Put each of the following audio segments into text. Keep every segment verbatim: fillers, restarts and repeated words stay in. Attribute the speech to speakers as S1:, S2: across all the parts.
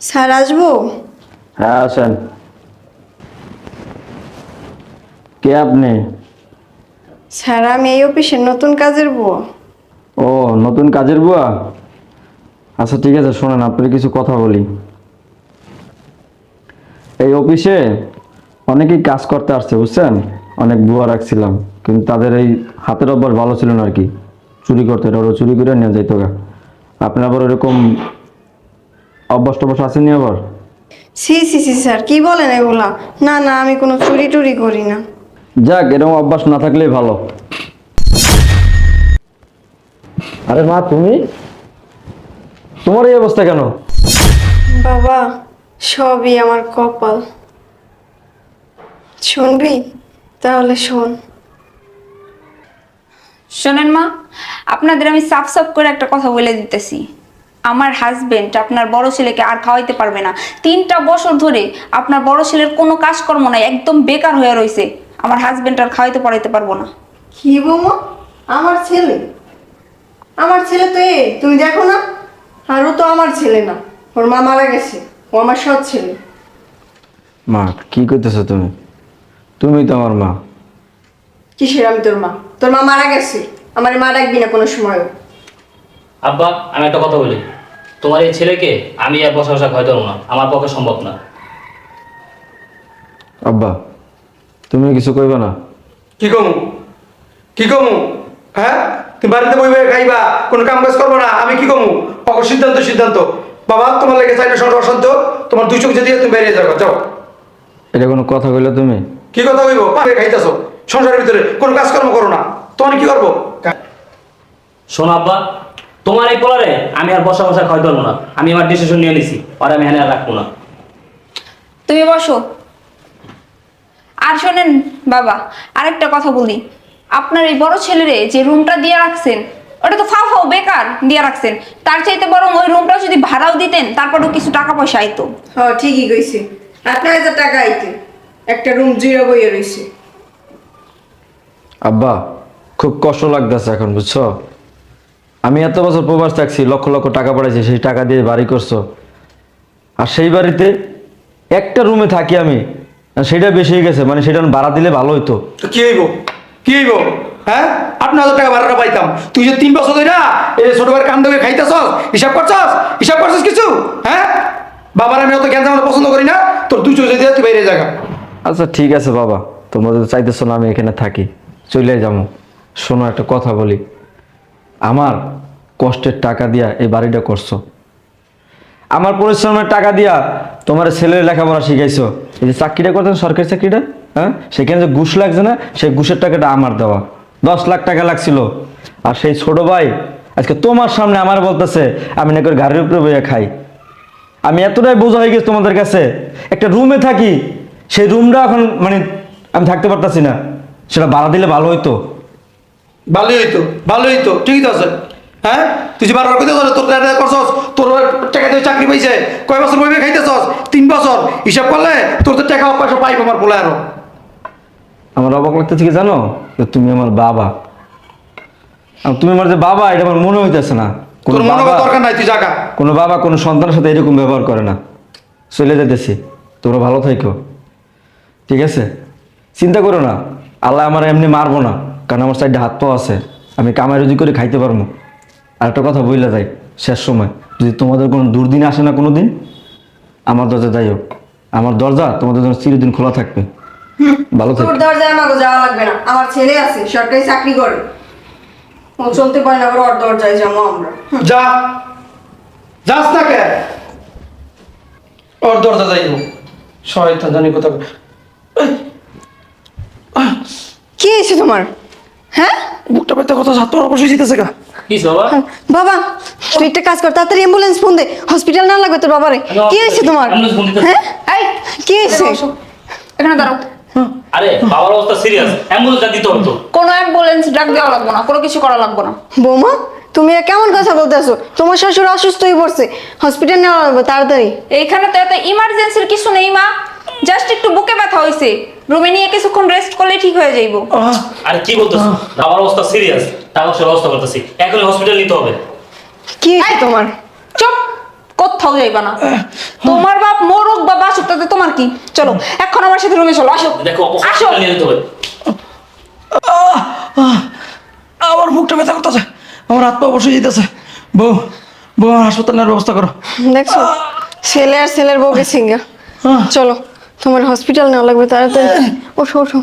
S1: Sir আসবো?
S2: হ্যাঁ আসেন। কে আপনি?
S1: স্যার আমি এই অফিসের নতুন কাজের বুয়া।
S2: ও নতুন কাজের বুয়া। আচ্ছা ঠিক আছে, শোনেন আপনার কিছু কথা বলি। এই অফিসে অনেকেই কাজ করতে আসছে বুঝছেন, অনেক বুয়া রাখছিলাম, কিন্তু তাদের এই হাতের অভ্যাস ভালো ছিল না আর কি, চুরি করতে, এটা ওরা চুরি করে নিয়ে যাইত গা। আপনার আবার এরকম অভ্যাস টভ্যাস আসেনি আবার?
S1: সি সি সি স্যার কি বলেন এগুলা? না না আমি কোনো চুরি টুরি করি না।
S2: যাক, এরকম অভ্যাস না থাকলেই ভালো। আরে মা, তুমি, তোমার এই অবস্থা কেন?
S1: বাবা সবই আমার কপাল। শুনবি? তাহলে শোন।
S3: শোনেন মা, আপনাদের আমি সাফ সাফ করে একটা কথা বলে দিতেছি। আমার হাজবেন্ড আপনার বড় ছেলেকে আর খাওয়াইতে পারবে না। তিনটা বছর ধরে আপনার বড় ছেলের কোনো কাজকর্ম নাই, একদম বেকার হয়ে রয়েছে। আমার হাজবেন্ড আর খাওয়াইতে পড়াইতে পারবো না।
S1: কি বৌমা? আমার ছেলে? আমার ছেলে তো এ তুমি দেখো না? আর ও তো আমার ছেলে না, ওর মা মারা গেছে, ও আমার সৎ ছেলে।
S2: মা কি করতেছো তুমি? তুমি তো আমার মা।
S1: কিসের আমি তোর মা? তোর মা মারা গেছে, আমার মা ডাকবি না কোনো সময়।
S4: আব্বা, আমি একটা কথা বলি। তোমার এই ছেলেকে আমি আর বসা বসা খাওয়াতে পারবো না, আমার পক্ষে সম্ভব না।
S2: আব্বা তুমি কিছু কইবা না?
S5: কি কমু কি কমু হ্যাঁ, তুমি বাড়িতে বই বই খাইবা, কোনো কাম কাজ করবো না, আমি কি কমু? অক সিদ্ধান্ত সিদ্ধান্ত বাবা, তোমার লেগে চাইলে সংসার অশান্ত, তোমার দুই চোখ যদি তুমি বেরিয়ে যাও, যাও।
S2: এটা কোনো কথা কইলে তুমি?
S5: কি কথা কইব? পাবে খাইতেছো সংসারের ভিতরে, কোনো কাজকর্ম করো না, তোমার কি করবো?
S4: শোনো আব্বা, তোমার এই পোলারে আমি আর বসা বসা খাওয়াতে পারবো না। আমি আমার ডিসিশন নিয়ে নিছি, আর আমি এখানে আর রাখবো না।
S3: তুমি বসো। আর শোনেন বাবা, আরেকটা কথা বলি। আপনার এই বড় ছেলেরে যে রুমটা দিয়ে রাখছেন, ওটা তো ফাও ফাও বেকার দিয়ে রাখছেন। তার চাইতে বরং ওই রুমটা যদি ভাড়াও দিতেন, তারপরেও কিছু টাকা পয়সা আইতো।
S1: হ্যাঁ ঠিকই কইছে, আট নয় হাজার টাকা আইতে একটা রুম জিরো বইয়ে রয়েছে।
S2: আব্বা খুব কষ্ট লাগতেছে এখন, বুঝছো? আমি এত বছর প্রবাস থাকছি, লক্ষ লক্ষ টাকা পাঠাইছি, সেই টাকা দিয়ে বাড়ি করছো, আর সেই বাড়িতে একটা রুমে থাকি আমি, আর সেটা বেশি হয়ে গেছে, মানে সেটা ভাড়া দিলে ভালো হইতো।
S5: তো কি হইব কি হইব হ্যাঁ, আট ন হাজার টাকা ভাড়াটা পাইতাম। তুই যে তিন বছর ধরে না এই ছোট ভাইয়ের কান ধরে খাইতেছস, হিসাব করছস? হিসাব করছস কিছু? হ্যাঁ, বাবার আমি অত জ্ঞান জানা পছন্দ করি না, তোর দুই চোখ যদি তুই বাইরে জায়গা।
S2: আচ্ছা ঠিক আছে বাবা, তোমরা যদি চাইতেছো না আমি এখানে থাকি, চলে যাবো। শোনো একটা কথা বলি, আমার কষ্টের টাকা দিয়া এই বাড়িটা করছো, আমার পরিশ্রমের টাকা দিয়া তোমার ছেলের লেখাপড়া শিখাইছো, এই যে চাকরিটা করতেন সরকারি চাকরিটা, হ্যাঁ, সেখানে যে ঘুষ লাগছে না, সেই ঘুষের টাকাটা আমার দেওয়া, দশ লাখ টাকা লাগছিল। আর সেই ছোট ভাই আজকে তোমার সামনে আমার বলতেছে আমি নাকি ওর গাড়ির উপরে বইয়া খাই। আমি এতটাই বোঝা হয়ে গেছি তোমাদের কাছে, একটা রুমে থাকি, সেই রুমটা এখন মানে আমি থাকতে পারতাছি না, সেটা ভাড়া দিলে ভালো হইতো।
S5: ভালোই হইতো ভালোই হইতো, ঠিকই তো আছে। হ্যাঁ, তুই যে বারবার কইতে তোর টাকা করছস, তোর টাকা দিয়ে চাকরি পাইছে, কয় বছর বইবে খাইতেছস? তিন বছর। হিসাব করলে তোর তো টাকা পয়সা পাইব আমার বলে। আরো
S2: আমার অবাক লাগতেছে কি জানো, যে তুমি আমার বাবা, আর তুমি আমার যে বাবা এটা আমার মনে হইতেছে না। কোনো
S5: তোর মনে
S2: বাবা,
S5: করার দরকার নাই, তুই জাগা।
S2: কোনো বাবা কোনো সন্তানের সাথে এরকম ব্যবহার করে না। চলে যেতেছি, তোমরা ভালো থাকো, ঠিক আছে? চিন্তা করো না, আল্লাহ আমার এমনি মারবো না, কারণ আমার সাইডে হাত পাও আছে, আমি কামাই রুজি করে খাইতে পারবো। আর একটা কথা বইলা যাই, শেষ সময় যদি তোমাদের কোনো দুর্দিন আসে না কোনো দিন, আমার দরজা যাই হোক, আমার দরজা তোমাদের জন্য চিরদিন খোলা থাকবে। ভালো থাকো।
S1: তোর দরজায় আমাকে যাওয়া লাগবে না, আমার ছেলে আছে সরকারি চাকরি করে, ও চলতে পারে না, ওর দরজায় যাবো আমরা।
S5: যা, যাস না কে? ওর দরজা যাইব, শয়তান জানি কোথা।
S1: কি হয়েছে তোমার? হ্যাঁ
S5: বুকটা পেতে কত সাত অবশ্যই জিতেছে গা।
S4: কি বাবা?
S1: বাবা তুই একটা কাজ কর, তাড়াতাড়ি অ্যাম্বুলেন্স ফোন দে, হসপিটাল না লাগবে তোর বাবারে। কি হয়েছে তোমার?
S4: ambulance phone দিতেছি।
S1: হ্যাঁ
S3: এই
S1: কি হয়েছে?
S3: বসো। এখানে দাঁড়াও।
S4: আরে বাবার অবস্থা সিরিয়াস, অ্যাম্বুলেন্স দিতে হতো।
S3: কোনো অ্যাম্বুলেন্স ডাক দেওয়া লাগবে না, কোনো কিছু করা লাগবে না।
S1: বৌমা তুমি এ কেমন কথা বলতেছো? তোমার শ্বশুর অসুস্থ হয়ে পড়ছে, হসপিটাল নেওয়া লাগবে তাড়াতাড়ি।
S3: এইখানে তো এত ইমার্জেন্সির কিছু নেই মা, জাস্ট একটু বুকে ব্যথা হয়েছে, রুমে নিয়ে কিছুক্ষণ রেস্ট করলে ঠিক হয়ে যাইব।
S4: আরে কি বলতেছো? বাবার অবস্থা সিরিয়াস, টাকা পয়সার ব্যবস্থা করতেছি, এখনই হসপিটাল নিতে হবে।
S1: কি হয়েছে তোমার?
S3: চুপ, কোথা কোথাও যাইবা না। তোমার বাপ মরুক বা বাসুক তাতে তোমার কি? চলো এখন আমার সাথে রুমে চলো, আসো
S4: দেখো
S3: আসো।
S4: নিয়ে যেতে হবে।
S5: আমার বুকটা ব্যথা করতেছে, আমার হাত পা বসে যেতেছে। বউ বউ আমার হাসপাতাল নেওয়ার ব্যবস্থা করো।
S1: দেখছো ছেলে আর ছেলের বউ গেছে গা।
S5: আহ,
S1: চলো তোমার হসপিটাল নেওয়া লাগবে তাড়াতাড়ি। ওঠো ওঠো।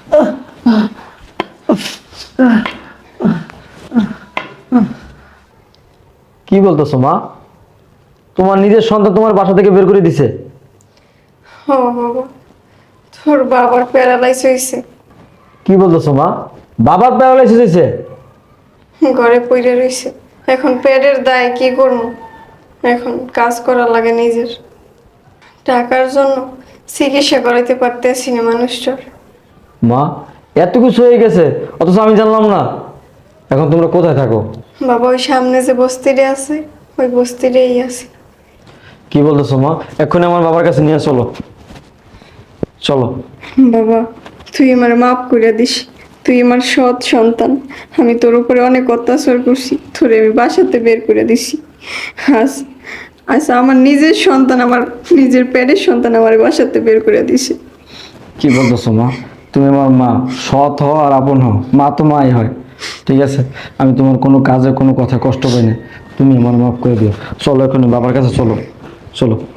S2: কি বলতেছো মা? তোমার নিজের সন্তান তোমার বাসা থেকে বের করে দিছে?
S1: ও বাবা, তোর বাবার প্যারালাইজ হয়েছে,
S2: কি বলতেছো মা? বাবার প্যারালাইসিস হয়েছে?
S1: ঘরে পড়ে রয়েছে। এখন পেটের দায় কি করবো, এখন কাজ করা লাগে নিজের। টাকার জন্য চিকিৎসা করাইতে পারতেছি না মানুষটার।
S2: মা এত কিছু হয়ে গেছে অথচ আমি জানলাম না। এখন তোমরা কোথায় থাকো?
S1: বাবা ওই সামনে যে বস্তিরে আছে ওই বস্তিরেই আছে।
S2: কি বলতেছো মা? এক্ষুনি আমার বাবার কাছে নিয়ে চলো, চলো।
S1: বাবা তুই আমার মাফ করে দিস, তুই আমার সৎ সন্তান। আমি তোর উপরে অনেক অত্যাচার করছি, তোরে আমি বাসাতে বের করে দিছি। আজ আজ আমার নিজের সন্তান, আমার নিজের পেটের সন্তান আমার বাসাতে বের করে দিছে।
S2: কি বলতেছো মা? তুমি আমার মা, সৎ হও আর আপন হও, মা তো মাই হয়। ঠিক আছে, আমি তোমার কোনো কাজে কোনো কথা কষ্ট পাই না, তুমি আমার মাফ করে দিও। চলো এখনই বাবার কাছে চলো, চলো।